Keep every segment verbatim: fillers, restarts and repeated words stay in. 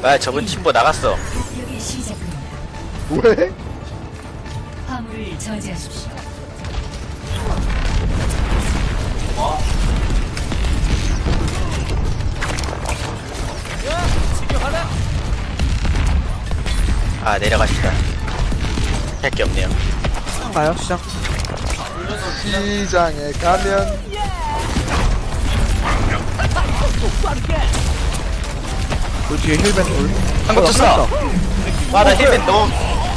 아 저분 팀보 나갔어. 공격이 시작됩니다. 왜? 화물을 저지하십시오. 아 내려가시다. 할 게 없네요. 가요 시작. 시장에 가면 그 뒤에 힐밴 돌. 한국 어, 쳤어. 와나 힐맨 너무.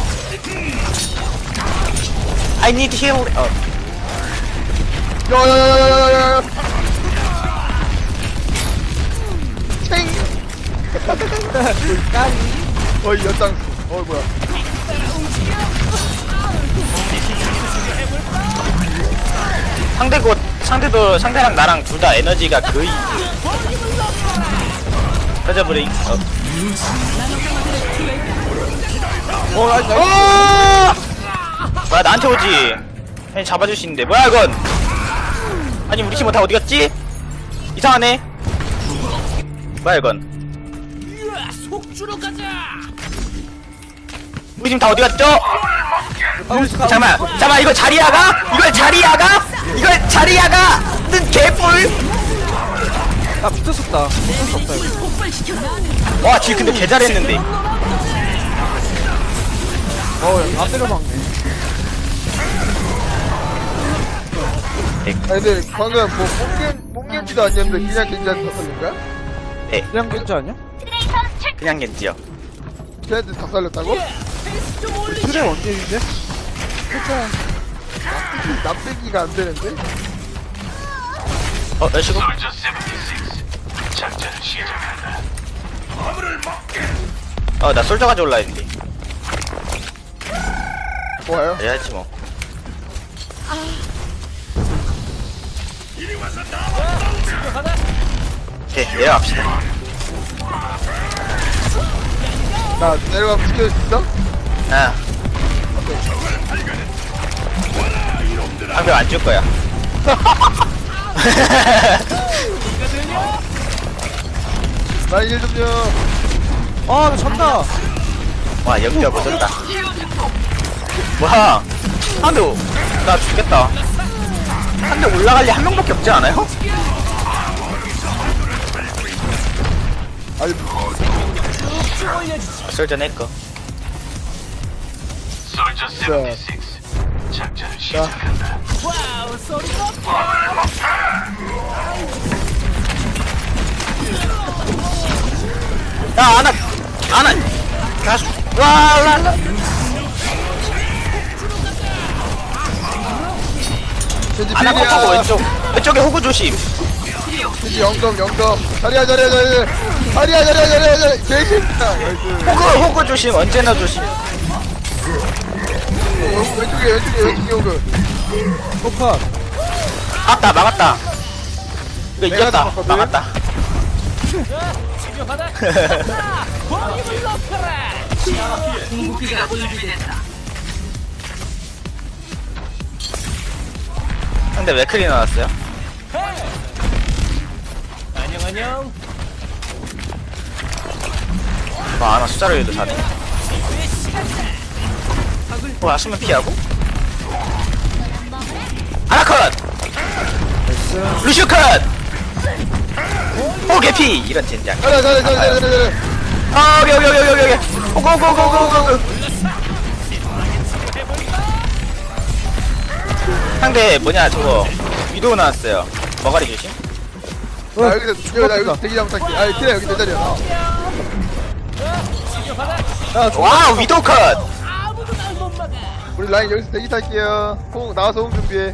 I need heal. 어. 야야야야야야야 챙 어이 연장수 어 뭐야 상대 곧 상대도 상대랑 나랑 둘 다 에너지가 거의. 터져버린. 어. 어 나이스 나이스. 어! 뭐야 나한테 오지. 아니 잡아줄 수 있는데 뭐야 이건. 아니 우리 팀은 다 어디 갔지? 이상하네. 뭐야 이건. 우리 팀 다 어디 갔죠? 잠깐만 잠깐만 이거 자리야가? 이걸 자리야가? 이걸 자리야가? 는 개뿔. 아 붙었었다. 붙을 수 없다 이거. 와 지금 근데 개 잘했는데. 어안 때려박네. 아니 근데 방금 뭐 뽕겐 뽕겐지도 아니었는데 그냥 괜찮은 덕분인가? 그냥 괜찮 아니야? 그냥 겐지요. 걔한테 다 살렸다고? 트레 원딜인데? 납득이가 안 되는데? 어 여시고. 어나 솔저 가져올라 했는데. 좋아요. 해야지 뭐. 오케이 내려갑시다. 나 내려가면 지켜줄 수 있어? 아. 방금 안 줄 거야. 나 일 좀요. 아나 졌다. 와 연비가 못했다. 와 한대 나 죽겠다. 한 대 올라갈 리 한 명밖에 없지 않아요? 아니 아, 솔전 했거. 자, 자, 야 아나 아나 가수 와라라. 겐지 아나 컷하고 필이야. 왼쪽 왼쪽에 호구 조심. 겐지 영점 영점. 자리야 자리야 자리야. 자리야 자리야 자리야 자리야. 개새끼야. 나이스. 호구 호구 조심 언제나 조심. 왼쪽에 왼쪽에 왼쪽에 오그. 포카. 아따 막았다. 이거 내가 이겼다. 잡았거든? 막았다. 근데 왜 크리 나왔어요? 안녕 안녕. 와 아나 숫자를 해도 사네. 와 수면 피하고. 아나 컷. 루시오 컷. 오 개피 이런 젠장. 자리야 자리야 자리야 자리야 자리야. 아 여기 여기 여기 여기 여기. 오고 오고 오고 오고 오고. 상대 뭐냐 저거 위도우 나왔어요. 머가리 조심. 나 여기서 여기 나 여기서 대기 잡고 탈게. 아니 키라 여기 내 자리야. 야 저. 와우 위도우 컷. 우리 라인 여기서 대기 탈게요. 호응 나와서 호응 준비해.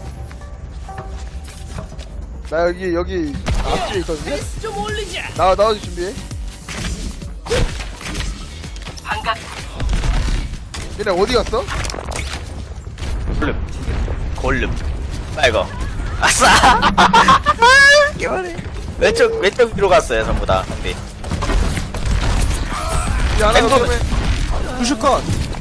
나 여기 여기 앞뒤에 있거든요. 나와 나와서 준비해. 얘네 어디 갔어? 골룸 골룸 빨거 아싸. 개발해. 왼쪽 왼쪽 위로 갔어요 전부 다. 근데 이 하나 왼손은- 더 루슈컷.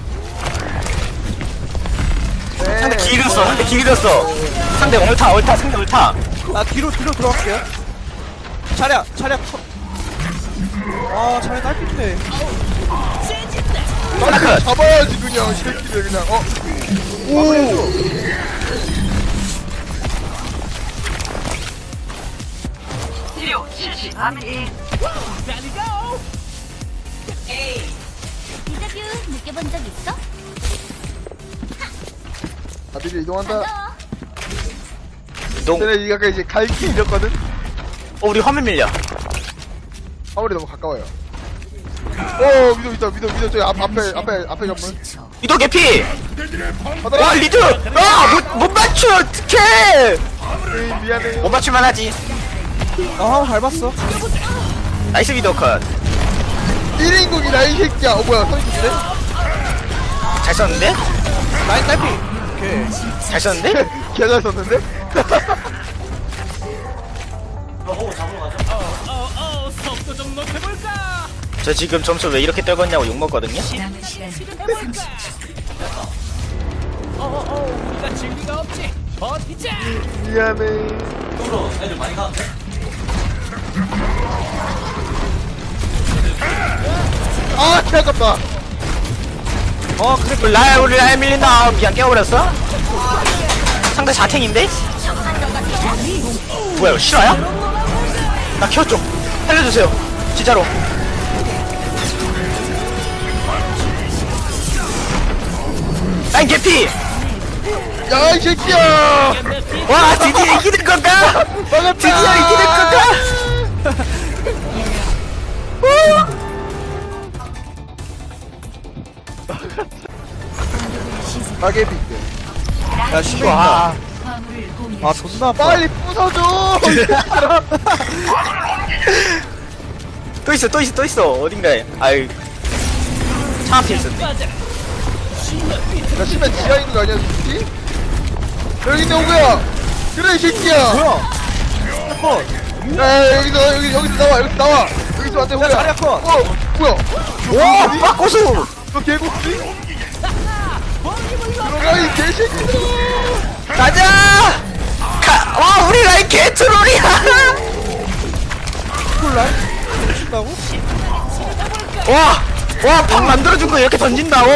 상대 길었어. 상대 길었어. 상대 얼타 얼타 상대 얼타. 나 뒤로 뒤로 들어갈게요. 차량 차량 컷. 아 자네 딸핀데. 빨리 잡아야지 그냥 이 새끼들 그냥 어? 오! 디자뷰 느껴본 적 있어? 아들이 이동한다 이동. 쟤네 아까 이제 갈길 잃었거든? 어 우리 화면 밀려. 화물이 너무 가까워요 오 미도 있다 미도 미도 저기 앞, 앞에 앞에 앞에 전문 이동 개피. 받아라 와 리드. 아못못 맞춰 어떡해. 에이, 미안해 못 맞출만 하지. 나 화물 밟았어. 나이스 미도 컷. 일 인국이다 이 새끼야 어 뭐야 선생님인데? 잘 썼는데? 라인 딸피. 오케이. 잘 썼는데? 개잘 썼는데? 저 지금 점수 왜 이렇게 떨궜냐고 욕먹거든요? 남은 시간 삼십 초. 미안해 아 개아깝다 어 그래 그 라야 우리 라야 밀린다. 어, 미안 깨워버렸어? 상대 자탱인데? 뭐야 이거 실화야? 나 키웠죠? 살려주세요 진짜로. 라인 개피! 야 이 새끼야 와 드디어 이기는 건가? 막았다 드디어 이기는 건가? 가게 빅대 야 씨발. 와 화물을 공유. 아 존나 아파. 빨리 부숴줘 이 새끼들아. 또 있어 또 있어 또 있어 어딘가에. 아유 차 앞에 있었네. 나 심해 지하에 있는 거 아니야 솔직히? 여기 있네 오구야 그래 이 새끼야 뭐야? 컷. 야 여기서 여기 여기서 나와 여기서 나와 여기서 안돼 오구야 자리야, 컷. 어 뭐야 와 빠꼬수! 너 개고기? 들어가 이 개새끼들 가자! 가! 와 우리 라인 개트롤이야! 콜라인? 미친다고? 와! 와 방 만들어준 거 이렇게 던진다고?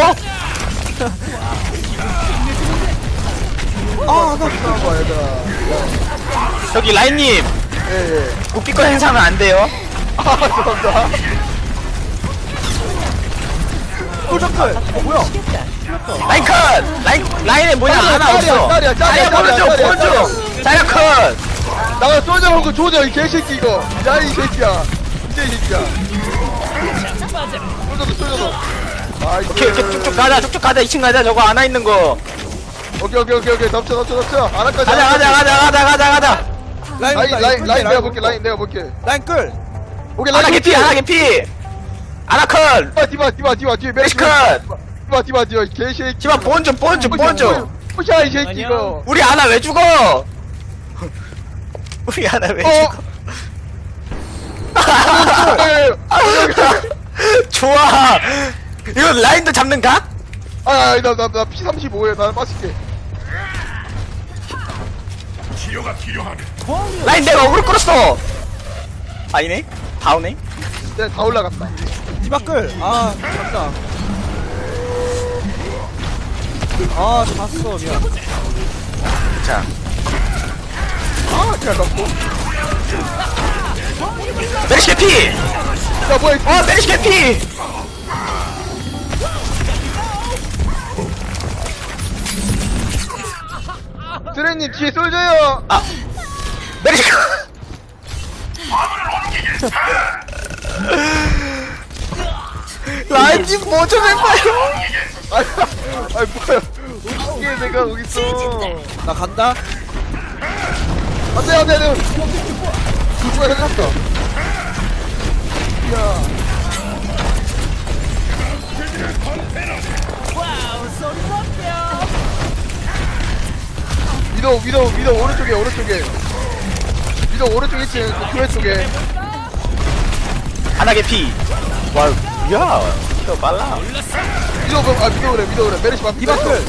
아나 나와 얘들아 저기 라인님 예예 국비권 행사하면 안 돼요. 아 죄송합니다 꿀점클. 어 뭐야? 라인 컷! 라인, 라인에 뭐냐 짤이야, 하나 짤이야, 없어. 짤이야, 짤이야, 자리야 보여줘 짤이야, 보여줘. 자리야 컷! 나가 쏘자 먹고 조져 이 개새끼 이거 야 이 새끼야 진짜 이 새끼야 쏘져도 쏘져도 아이고 오케이 오케이 쭉쭉 가자 쭉쭉 가자 이 층 가자 저거 안와 있는 거. 오케이 오케이 오케이 오케이 덮쳐 덮쳐 덮쳐 안할까지 가자 가자 가자 가자 가자 가자. 라인 라인 온다, 라인 끌게, 라인 내가 끌게. 볼게 라인 내가 볼게 라인 끌. 오케이 하나 라인 개피 하나 개피. 하나 컷! 디바 디바 디바 디바 뒤에 메리시 컷! 디바 디바 디바 이 개새끼 집안 보온 좀 보온 좀 보온 좀. 부샤 이 새끼 이거 우리 하나 왜 죽어? 우리 하나 왜 어? 죽어? 좋아. 이거 라인도 잡는 각? 아나나나 피 삼십오에 나 빠질게 라인 내가 어그로 끌었어. 아니네? 다오네? 내가 다 올라갔다 디바 끌. 아 간다. 아 잤어 미안. 자, 아 그냥 넣고 메리시 개피! 야 뭐야 이 어, 메리시 개피! 드레님 뒤에 쏠져요 아, 메리시 라인님 뭐좀 해봐요. 아이 아이 뭐야 웃기게 내가 여기 있어 나 간다. 안돼 안돼 안돼 누가 해놨어 야 위도 위도 위도 오른쪽에 오른쪽에 위도 오른쪽에 있지 그 교회 쪽에 하나 개피. 와, 야, 저 빨라. 위도 그- 아 위도 그래 위도 그래 메리시 반 디바 끌.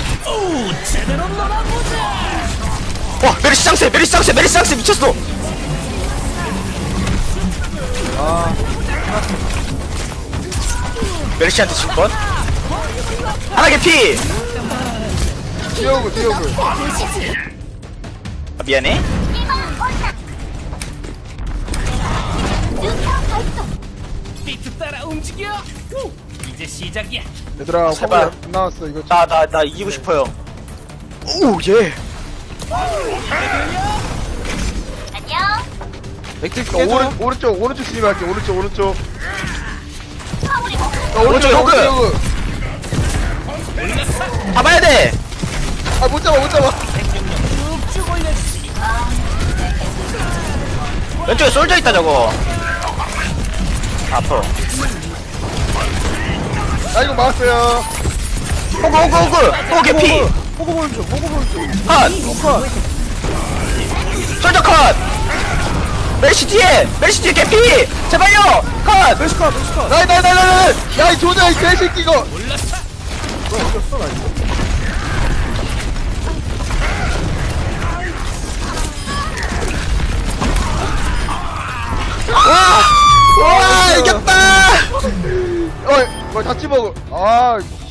와, 메리시 짱세, 메리시 짱세, 메리시 짱세 미쳤어. 멜시한테 질 건? 하나 개피. 뛰어오고 뛰어오고. 아, 미안해. 얘들아 제발. 화물 안 나왔어 이거. 나 나 나 이기고 싶어요. 오 예. 안녕. 맥주 어, 깨져. 오른 오른쪽 오른쪽 진입할게. 오른쪽 오른쪽. 어, 오른쪽 오른쪽 호그. 호그. 잡아야 돼. 아못 잡아 못 잡아. 왼쪽에 솔져 있다 저거. 아파. 나 이거 막았어요. 호그 호그 호그 호그 개피. 호구 보는 중, 호구 보는 중. 컷. 컷. 솔져 컷. 멜시 뒤에 멜시 뒤에 개피. 제발요. 컷. 멜시 컷, 멜시 컷. 나이 나이 나이 나이. 야이 조자 이 개새끼 이거. 너 이겼어, 나 이거. 와 이겼다. 어이 뭐 자취 먹어. 아